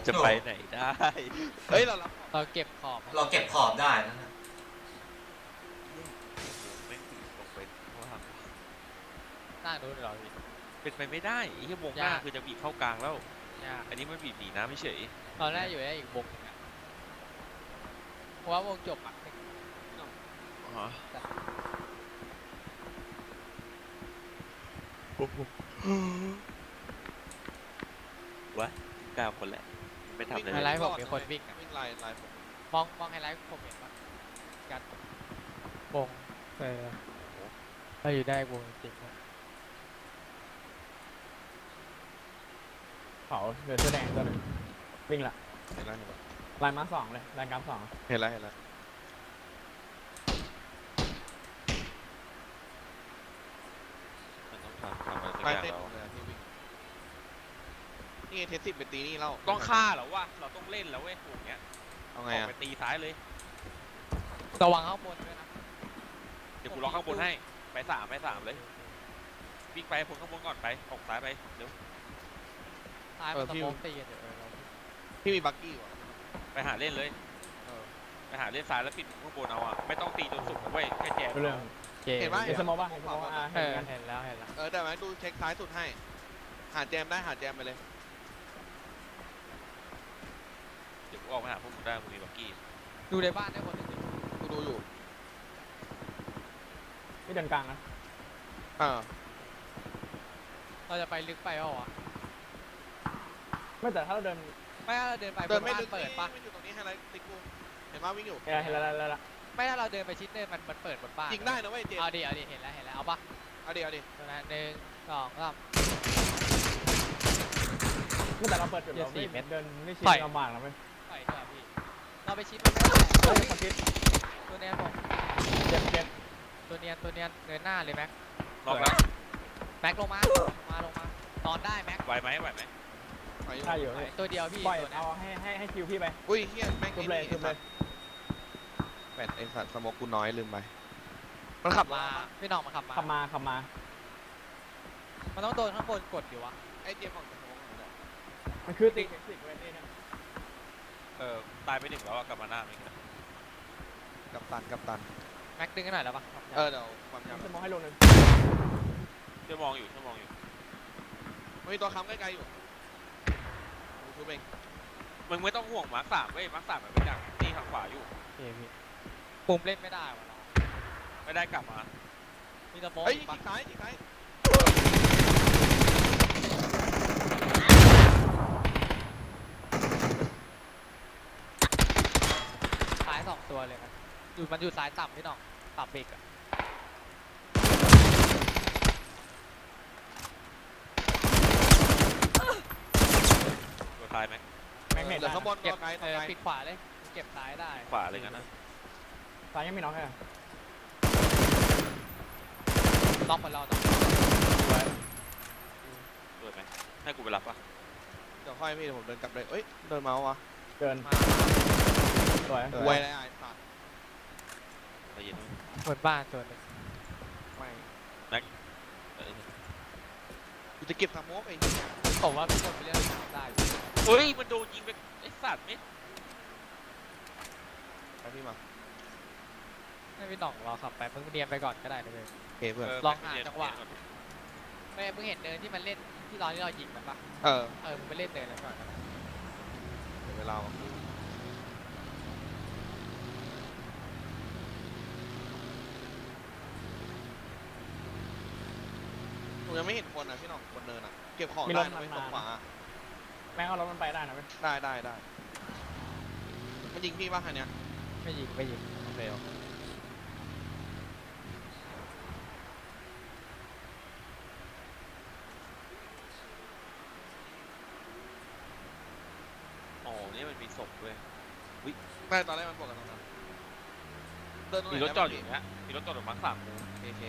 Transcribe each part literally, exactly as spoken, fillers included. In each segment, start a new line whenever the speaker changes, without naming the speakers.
จะไปไหนได้
เฮ้ยเรารับ
เราเก็บขอบ
เราเก็บขอบได้นะ
ไม่ถึงลงไปว่า
หน้าดูเลยเหรอพี่
เป็นไปไม่ได้ไอ้ที่วงหน้าคือจะบีบเข้ากลางแล้วอันนี้มันบีบหนีน้ำไม่เฉย
ตอนแรกอยู่ได้อีกวงนึงอ่ะเพราะว่าวงจบอ่ะ
วะเก้าคนแหละไม่ทำเลย
ไฮไลท์ผมมีคนวิ่ง
วิ่งไล่ไล่ผม
มองมองไฮไลท์ผมเห็นปะกัดวงเออถ้าอยู่ได้วงจริง
เขาเดือดเสื้อแดงตัวหนึ่งวิ่งละ
เห็นแล้วเห็นแล้ว
ลายมาสองเลยลายกราฟสอง
เห็นแล้วเห็นแล้ว
มันต้องทำทำอะไรสัก
ไป
อย่าง
เต้น
แล้ว
เลยที่วิ่งนี่เทสสิบไปตีนี่เล่า
ต้องฆ่าเหรอวะเราต้องเล่นแล้วเว้ยถูกเงี้ย
เอาไง
ออก
อ่ะ
ไปตีซ้ายเลย
ระวังข้างบนด้วยนะ
เดี๋ยวกูล็อกข้างบนให้ไปสามไปสามเลยวิ่งไปพ้นข้างบนก่อนไปออกซ้ายไปเร็ว
ซ้ายมันสโมกตีกันเดี๋ยว
พี่มีบักกี้วะ
ไปหาเล่นเลยไปหาเล่นซ้ายแล้วปิดข้างบนเอาอ่ะไม่ต้องตีจนสุดนะเว้ยแค่แจม
เรื่อง
เห็นไหม
เห็นสมองป่ะเห็นสมองอ่ะ
เห็นเห็นแล้วเห็นแล้ว
เออแต่ไหมดูเช็คซ้ายสุดให้หาแจมได้หาแจมไปเลย
เดี๋ยวกูออกไปหาพวกมึงได้มึงมีบักกี้
ดูในบ้านได้คนหนึ่ง
กูดูอยู่
ที่เดินกลางนะ
อ่า
เราจะไปลึกไปอ่ะ
ไม่แต่ถ้าเราเดิน
ไม่ถ้าเราเดินไป
เดินไม่ลึก
เปิดปะ
ไม่อยู่ตรงนี้ให้ไรติ๊กกูเห็นว่าวิ่งอยู่
เห็นแล้วเห็นแล้ว
ไม่ถ้าเราเดินไปชิดเนินมันมันเปิดบนบ้าน
ยิงได้นะเว้ยเจ
เอาดิเอาดิเห็นแล้วเห็นแล้วเอาปะ
เอาดิเอาดิ
ตัวนั้นหนึ่งสองสาม
ไม่แต่เราเปิดจุดเราไม่เดินไม่ชิดลำบากนะเว้ย
ปล่อยเถอะพี่เราไปชิดมันไม่ได้ตัวเนียนผม
เจ็บเจ็บ
ตัวเนียนตัวเนียนเดินหน้าเลยแม็ก
ล็อกแล้ว
แม็กลงมามาลงมานอนได้แม็ก
ไหวไหมไหวไหม
ใช่อยู่
ตัวเดียวพี่
ปล่อยเอาให้ให้ให้คิวพี่ไป
อุ้ยเฮียแม่ง
ทุบเลยทุบเลย
แปดไอสัตว์สมองกูน้อยลืมไปมันขับ
มาพี่น้องมาขับมา
ขับมาขับมา
มันต้องโดนข้างบนกดอยู่วะ
ไอเจมของสมอง
มันคือติ๊กติ๊กเวทีนะ
เออตายไปหนึ่งแล้วกลับมาหน้าไม่กัน
กับตันกับตัน
แม็กดึงกันหน่อยแล้วปะ
เออเดี๋ยวความยาว
จะมองให้ลงหนึ่ง
จะมองอยู่จะมองอยู่
มีตัวค้ำใกล้ๆอยู่ชูเบง
มึงไม่ต้องห่วงมาร์คสามเว้ยมาร์คสามมันเป็นอย่างที่ทางขวาอยู่
โอเคพี่ปุ่มเล่นไม่ได้วะ
ไม่ได้กลับมา
มีสโมก
เฮ้ยจีซ้ายจีซ้าย
ซ้ายสองตัวเลยนะอยู่มันอยู่ซ้ายต่ำพี่น้องต่ำเบรกอะ
ตัวท้ายไหม
แม็กเน็ต
เหลือข้างบน
เก็บ
ไกล
เออปิดขวาเลยเก็บซ้ายได้
ขวาเลยงั้นนะ
ซ้ายยังไม่น็อกแค่
ล็อกเหมือนเราต้อง
เปิดไหมให้กูไปรับปะ
เดี๋ยวค่อยพี่ผมเดินกลับเลยเอ้ยเดินเมาส์วะ
เดินสวย
ไวเลยไอ้สัตว์
ใจเย็นด้วย
เหมือนบ้านตัวนึง
ไม่
แม็ก
กูจะเก็บสโมกไอ้
ผมว่าพี่คนไปเล่นได้
เฮ้ยมันโดนยิงไปไอ้สัตว์ไม่
ไปพี่มา
ให้พี่หน่องรอขับไปมึงเนียนไปก่อนก็ได้เลย
เฮ้เพื่อน
ลองหาจังหวะไม่มึงเห็นเดินที่มันเล่นที่ตอนที่เรายิงมันปะ
เออ
เออมึงไปเล่นเดินแล้วก่อน
เดี๋ยวเวลาผมยังไม่เห็นคนอ่ะพี่น้องคนเดินอ่ะเก็บของได้นะไม่ตรงขวา
แม่งเอารถมันไปได้นะเว้ย
ได้ได้ได้มันยิงพี่ป่ะคันเนี้ย
ไม่ยิงไม่ยิง
โอเคโอเค
อ๋อนี่มันมีศพด้วย
วิไม่ตอนแรกมันบอกกันตรงนั้นเดินตรงไหน
มีรถจอดอยู่เนี้ยมีรถจอดอยู่มาร์คสามกู
โอเค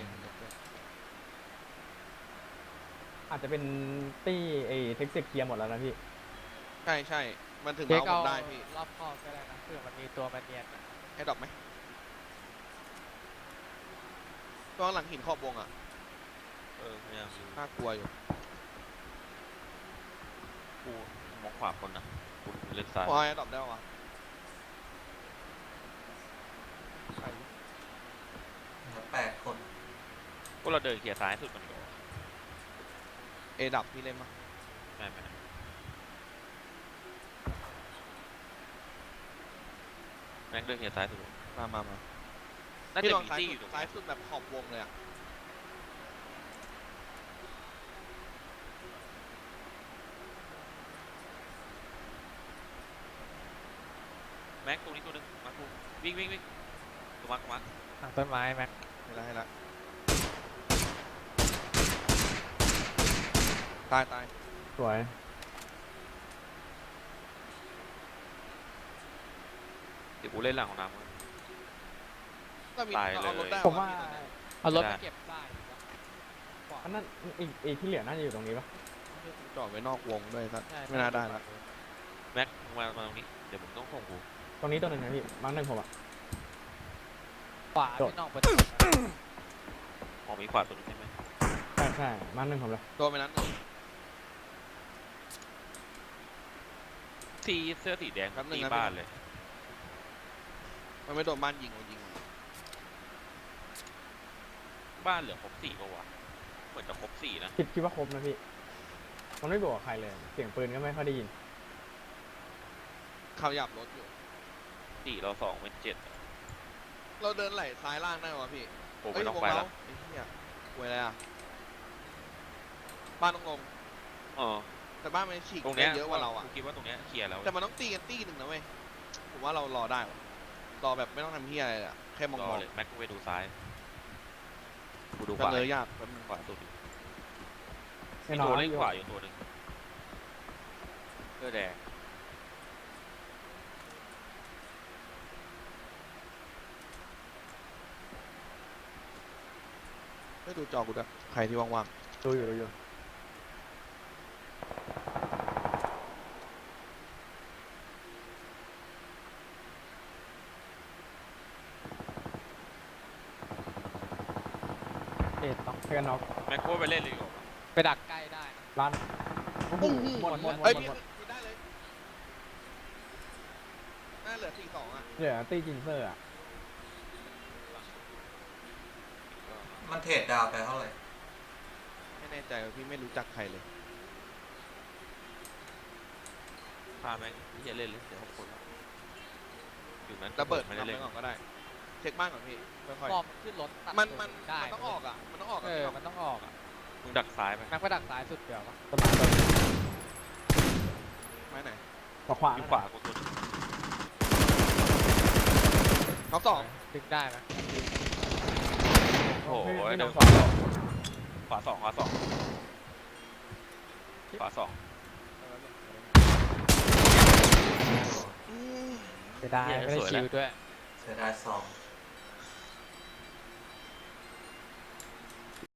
อาจจะเป็นตี้ไอ้เท็กซ์เคลียร์หมดแล้วนะพี่
ใช่ใช่มันถึงเมาส์ผมได้พี่
รอบคอบก็ได้นะเผื่อมันมีตัวมันเนียน
ให้ดอกไหมตัวหลังหินขอบวงอ่ะ
เออพยายาม
น่ากลัวอยู่
กูมองขวาคนนะกูเล่นซ้าย
พอไอ้ดรอปได้ปะวะ
เหลือแปดคน
พวกเราเดินเคลียร์ซ้ายสุดมันก็
เอดับพี่เล่นปะ
ไม่ไม่แม็กเดินเคลียร์ซ้ายสุด
มามามา
น่า
พี่
จะ
ลอง
มี
ซ้าย
ตี้อ
สุด
ยู่ตรง
ซ้าย
นี้
สุดแบบขอบวงเลยอะ
แม็กตรงนี้ตัวหนึงมากูวิ่งวิ่งวิ่งตัวมาร์คมาร์ค
ทางต้นไม้แม็ก
ให้ละให้ละตายตาย
สวย
เดี๋ยวกูเล่นหลังของน้ำ
ก็มี
ตายเลย
เอารถได้
ผมว่า
พี่ตอนเนี้ย
เอารถ
ได้
ไปเก็บได้ดีกว่าขวา
อันนั้นอีกอีกที่เหลือน่าจะอยู่ตรงนี้ปะ
จอดไว้นอกวงด้วยสัก
ใช่
ไม่น่าได้ละ
แม็กมึงมามาตรงนี้เดี๋ยวผมต้องส่งกู
ตรงนี้ตัวหนึ่งนะพี่มาร์คหนึ่งผมอะ
ขวา
โดด
ที่นอกประตู
ออกมีขวาตัวนึงใช่ไหม
ใช่ใช่มาร์คหนึ่งผมเลย
ตัวไปนั้น
สีเสื้อสีแดง
แป๊บนึง
ตี
นะ
บ้านเลย
มันไม่โดนบ้านยิงมันยิง
บ้านเหลือครบสี่ปะวะเหมือนจะครบสี่นะ
คิดคิดว่าครบนะพี่มันไม่บวกกับใครเลย เสียงปืนก็ไม่ค่อยได้ยิน
เขาหยับรถอยู่
สี่เราสองเป็นเจ็ด
เราเดินไหลซ้ายล่างได้วะพี่
โอ้
เอ้
ไม่
ย
ต้อง
วง
ไป
เรา
แล้ว
ไอ้เหี้ยหวยอะไรอ่ะบ้านต้องลง
เออ
แต่บ้านมันฉีก
ตรงเนี้ย
ได้เยอะกว่าเราอ่ะ
กูคิดว่าตรงเนี้ยเคลียร์แล้ว
แต่มันต้องตีกันตีหนึ่งนะเว้ยผมว่าเรารอได้วะรอแบบไม่ต้องทำเหี้ยอะไรอะแค่มอง
ร
ม
อ
อง
เลยแม็กกูไปดูซ้ายกูดูข
กัน
วา
เลยยากแป๊บนึง
ขวาสุด
แน่
มี
นอ
ตัวน เล่นขวาอยู่ตัวหนึ่งเสื้อแดง
ไม่ดูจอกูด้วยใครที่ว่าง
ดูอยู่ดูอยู่
เอ็ดต้อง
เพื่อนน็อก
แม็กกูไปเล่นเลยดีกว่า
ไปดักใกล้ได้นะ
ร้านโอ้โหหมดหมดหม
ๆเอ้ย
ด
พี่
หมด
พี่ได้เลยน่าเหลือสี่สองอ่ะ
เหลือตีจินเซอร์อะ
มันเทรดดาวไปเท่าไหร่
ไม่แน่ใจว่าพี่ไม่รู้จักใครเลย
พาแม็กที่จะเล่นเลยเดี๋ยวเขาคนอยู่นั้น
ระเบิด
ไม่
ทำ
ได้
ไป
เล่น
ก่อนก็ได้ เช็คบ้านก่อนพี่ค่อย
มอบขึ้นรถตัด
ๆมันมัน
ได้
มันต้องออกอ่ะมันต้องออก
เอ
อ่ะ
อมันต้องออกอ่ะ
มึงดักซ้ายไป
แม็กไปดักซ้ายสุดเดียวปะ
ต้นไม้ต้น
ไม้ไหน
ขวาขวา
อยู่ขวากูตัวหนึง
น้องสอง
ดึงได้ไหม
โอ้โห
ไม่
เดิ
น้อน งสอง
ขวาสองขวาสองขวาสอง
จะได้ไม่ได้ชิวด้วย
เสียดายสอง